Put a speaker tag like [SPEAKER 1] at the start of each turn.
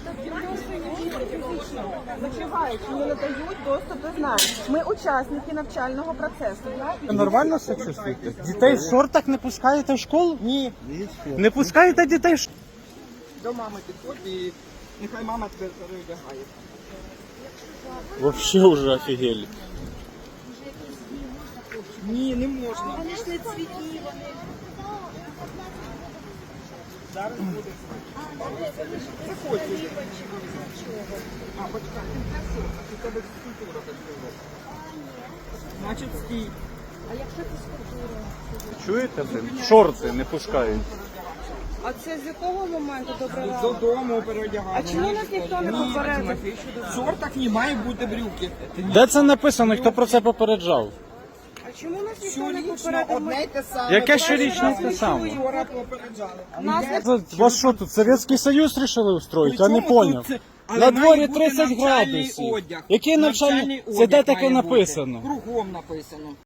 [SPEAKER 1] Зачуваючи, не надають доступ до знань. Ми учасники навчального процесу.
[SPEAKER 2] Ви нормально себе чувствуєте? Дітей в шортах не пускаєте в школу?
[SPEAKER 1] Ні.
[SPEAKER 2] Не пускаєте дітей в школу?
[SPEAKER 1] До мами підходь і нехай мама тебе переодягає.
[SPEAKER 2] Вообще уже офігели.
[SPEAKER 1] Ні, не можна.
[SPEAKER 3] Вони ж не цвітні, вони.
[SPEAKER 1] Зараз буде. Заходь. А, почекай, ти красиво, у тебе фізкультура працює. Значить, стій.
[SPEAKER 3] А якщо фізкультура?
[SPEAKER 2] Чуєте, блин? Шорти не пускають.
[SPEAKER 3] А це з якого моменту добре?
[SPEAKER 1] Додому переодягати.
[SPEAKER 3] А чому нас ніхто не попередив?
[SPEAKER 1] В шортах не має бути брюки.
[SPEAKER 2] Де це написано? Хто про це попереджав?
[SPEAKER 3] А чому нас ніхто не
[SPEAKER 1] Щорічно
[SPEAKER 3] попередив?
[SPEAKER 1] одне й те саме.
[SPEAKER 2] Яке щорічне те саме?
[SPEAKER 1] Вчора попереджали.
[SPEAKER 3] Нас не
[SPEAKER 2] Вас що тут, Совєтський Союз рішили устроїти? Я не поняв. На дворі 30 градусів. Який навчальний? Це де таке написано?
[SPEAKER 1] Кругом написано.